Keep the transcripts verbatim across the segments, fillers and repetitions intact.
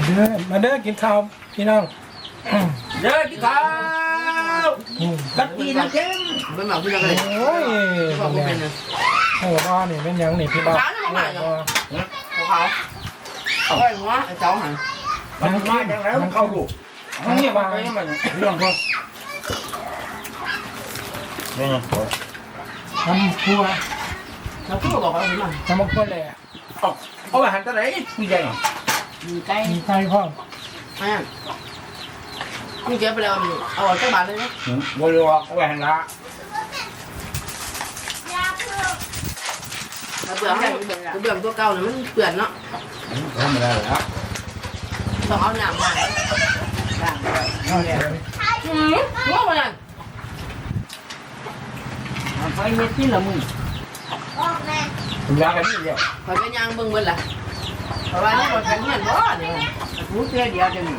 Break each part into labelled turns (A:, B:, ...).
A: เด้อมาเด้อกินข้าวพี่น้อง
B: เด้อกินข้าวกัดกีน้ำเค็มเป็นแบบพี่น้องเลย
A: โอ้ย
B: บอกว่าเป็น
A: โอ้บ้านี่เป็นยังนี่พี่บ้า
B: เขาเขาเขาเขาหัวไอ้เจ้าหัน
A: มันมาจากแล้วมันเข้าลูกมันนี่มาเรื่องพวก
C: นี่ไง
A: ทำครัว
B: เราพูดบอกเขาเป็นมัน
A: ทำครัวแหละ
C: เอาอาหารตัวไหนมีใจหรอ
B: มีไก่
A: มีไก่พ่อม
B: อ่านี่เก็บไปแล้วเอาออกจากบ้านเลยนะ
C: บริวารเอาอาหารละ
B: เบื่อให้เบื่อตัวเก่าเนี่ยมันเปื่อนเนาะ
C: ทำไม่ได้แล้ว
B: ต้องเอาหนามมา
A: เอาแหละ
B: อืมว่ามัน
D: ไฟเม็ดที่ละมึง
C: คุณยากันนี่เดียว
B: คอยไปย่างเบิ่งเบิ่งล่ะเพราะว่านี่มันเป็นเงี้ยบ่เนี่ย
D: รู้เพียเดียวจะมี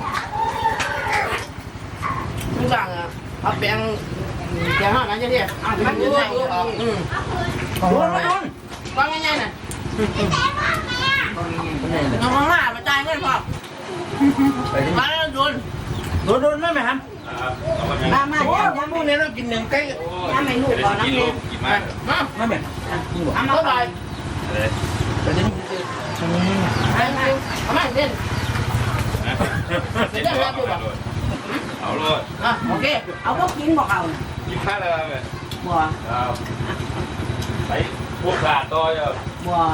B: ทุกอย่างอ่ะเอาแป้งแป้งห่อนั้นจะเรียกมันอยู่ในอืม
A: ของอะไร
B: วางง่ายๆน่ะน้องข้างหน้ามาจ่ายเงินพอมาแล้วโดน
C: โดนโดนได้ไหมครับ
D: มามา
C: โอ้
D: ย่าย
C: พวกนี้เรากินหนึ่งไก่
D: ย่าไม่ลูกก่อนน้ำเลี้ยง
B: มา
C: ไม่แม่
D: เอามา
B: เท่าไหร่
C: แต่จะนี่
B: ไปไปเอามาเด่นเด่นแล้วดูบ่
E: เอาเลย
B: อ่ะโอเค
D: เอาพวกกินบอกเอา
E: กินข้าวเลยไหม
D: บัว
E: เอาไปพวกขาดต่อเยอะ
D: บัว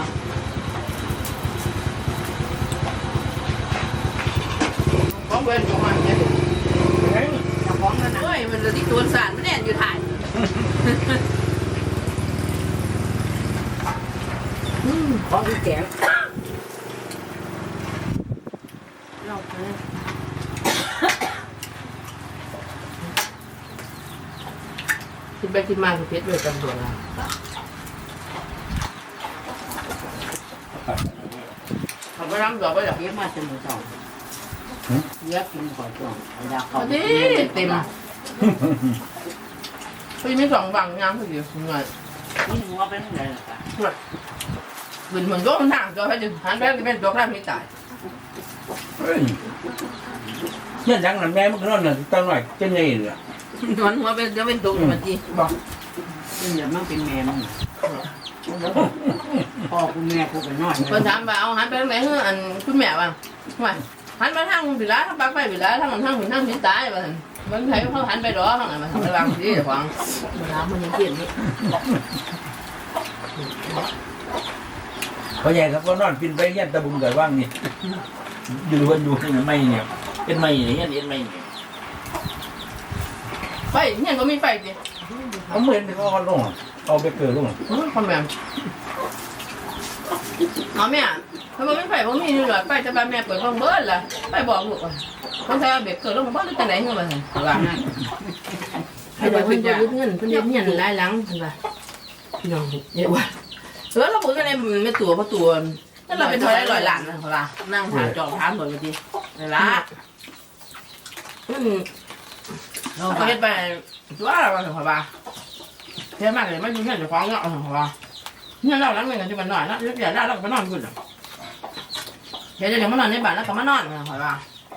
B: ของเบิ้ลของมันเนี่ย
D: จะฟ้องแล้วนะ
B: เฮ้ยมันจะที่ตัวสารไม่แน่นอยู่ถ่าย
D: ฟ้องที่แกง
B: เราคิดไปคิดมาคือเพชรเลยจำตัวละ เขาไปรับดอกไปดอก
D: เลี้ยงมาจนหมดสองเลี้ยงกินก่อนช่วงอยาก
B: พ
D: เขา
B: อดีเต็มพอดีมีสองฝั่งงามพอดีเหนื่อย
D: นี่หัวเป็นอะไรล่ะ
B: เหมือนเหมือนก็มันห่างก็ให้ดึงหันไปเป็นตัวแรกไม่ตาย
C: เนี่ยยังนั่นแม่มันก็นอนน่ะตั้งหน่อยเป็นไงล่ะ
B: หันหัวเป็นจะเป็นตัวมันจีบอก
D: นี่เดี๋ยวมันเป็นแม่มึงพ่อคุณแม่กูเป็นน้อย
B: คนถามว่าเอาหันไปทางไหนเฮ้ออันคุณแม่ว่าว่าหันไปทางผิดแล้วทางปากไปผิดแล้วทางทางผิดทางผิดตายว่ามันใครเขาหันไปดอทางไหนมาทางไปบางทีเดี๋ยวฟังน้ำมันยังเปลี่ยนนี่
C: พ่อใหญ่ครับก็นอนปินไปเงี้ยตะบุงเกิดว่างนี่อยู่วันอยู่นี่ไม่เนี่ยเป็นไม่เนี่ยเงี้ยเป็นไม่เนี่ย
B: ไฟเนี่ยก็มีไฟจี
C: เขาเหมือนเขาเอาลงเอาไปเกิดลง
B: คอมแมนเอาแม่ถ้ามันไม่ไฟผมมีนี่หรอไฟจะบ้านแม่เปิดห้องเบิร์ดล่ะไปบอกลูกว่าคนไทยเบ็ดเกิดลงมาบ้านหรือจะไหนเงี้ยมาสิว่าง่ายให้เด็กเพิ่นจะยึดเงินเพิ่นยึดเงินหลายหลังเห็นป่ะพี่น้องเยอะว่ะเออเราบอกกันเลยมันไม่ตัวเพราะตัวนั่นเราเป็นเท่าไรลอยหลานนะเขาล่ะนั่งหาจอถามหมดเลยทีนี่ละอืมเราไปไปว่าอะไรมาถึงเขาบ้าเท่มากเลยไม่ยุ่งเรื่องจะฟ้องเนาะเขาบ้าเนี่ยเราล้างเงินกันที่มันหน่อยนะเรียกใหญ่ได้เราก็ไปนอนกันเดี๋ยวเดี๋ยวมานอนในบ้านแล้วก็มานอนเขาบ้า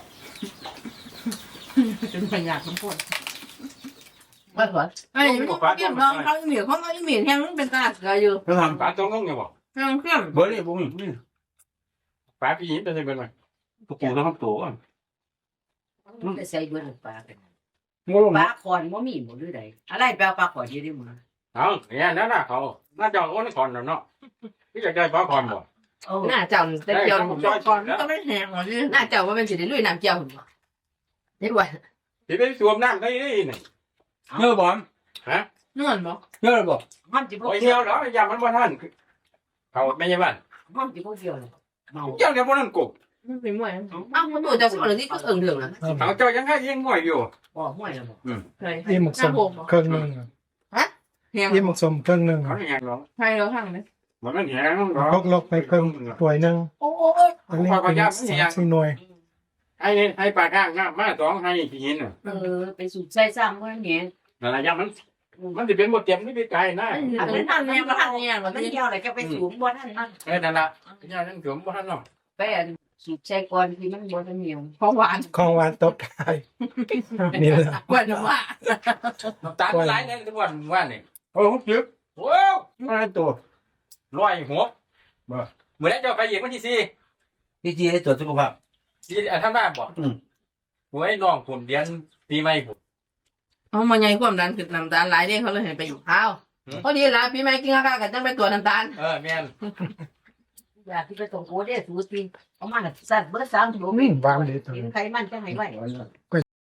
B: เป็นปัญญาทั้งหมดไม่หรอไอ้ไม่ต้องเกี่ยมน้องเขาเหนียวเขาไม่เหนียวแห้งเป็นตาเกลืออยู่
C: เขาท
E: ปลาจ้องต้องยังบอก
B: แห้งเข้ม
C: ำเบอร์นี่บุ้งนี่
E: ปลาพี่ยิ้มเป็นยังไงบ้างตัวปูต้องตัวก่อน
D: ไปใส่เบอร์ปลากัน
C: งูลง
D: ปลาคอนว่ามีหมดหรือไงอะไรแปลปลาคอนยี่ได้มั้ง
E: เอาเนี่ยนั่นน่ะเขาน่าจะอ้วนก่อนเนาะพี่อยากได้ปลาก่อนบ่
D: โอ้
B: หน้าเจ้าแต่เจ้าผมก่อนก็ไม่แห้งหรอกหน้าเจ้าว่าเป็นสีลุยน้ำเจ้าผมเด็ดว่า
E: ที่ไปสวมน้ำได้นี่
C: เยอะบอม
B: นวลบ่
C: เยอะบอก
D: มันจะพวก
E: โอ้ย
D: เดี
E: เที่
D: ย
E: ยว วแล้วยามันว่าท่านเขาไม่ใช่บ้าน
D: มันจะพวกเดียวเมา
E: เจ้าเนี่ยพวกนั้นกบ
B: ไม่เป็นมวยอ้าวมันตัวเจ้าสอนที่ก็เอิงเดืองนะ
E: เขาเจ้ายังให้ยังง่อยอยู่
D: บ่ห้วยแล้วบ่
B: ใช่
A: อิ่มหมกสมเครื่องหนึ่ง
B: แห้ง
A: อิ่มหมกสมเครื่องหนึ่ง
E: เขาไม่ยังหรอก
B: ใช่แล้วทางนี้
E: มันไม่แห้งหรอ
A: พกลกไปเครื่องถ้วยหนึ่ง
B: โอ้ย
A: อันนี้เป็นสามสี่หน่วย
E: ไอ้ไอ้ปลาข้างน้ำมาสองให้ที่หินอ่ะ
D: เออไปสูบใส่ซ้ำก็เงี้ย
E: นั่นแหละยามันมันจะเป็นหมดเต็มนี่ไปไกลนะ
B: อันนี้ทางนี้มาทางนี้
D: มั
B: มัน น
D: เกี่ยวอะไรก็ไปสูบบ่ท่านนั่น
E: เออนั่นแหละยาทั้งสวมว่าท่านเนาะ
D: ไปฉีดใช้ก่อนที่มันบ่ได้เหนียว
B: ของหวาน
F: ของหวานตบท้ายนี่แหละ
B: กวนว่า
E: น้ำตาลหลายเนี่ยทุกวันว่านี่
A: โอ้โหจึ๊บ
E: ว้าว
A: มาตัว
E: ร้อยหัวบ่เมื่อไรจะไปอีกวันที่สี่
C: พี่จีให้ตรวจสุขภาพ
E: สี่อันทำได้บ่
C: อืม
E: หวยน้องผุนเดือนปีใหม่ผุน
B: เอามาใหญ่ความดันขึ้นน้ำตาลหลายเด้เขาเลยให้ไปอยู่ข้าวพอดีละพี่แม่กินข้าวกันจังไปตรวจน้ำตาล
E: เออแม่น
D: อยากที่ไปส่งโอเด้สูสีเอามาสั่นเบอร์สามถุง
F: อืมวางเลยตัว
D: กินไขมันจะให้ไว้
F: ก็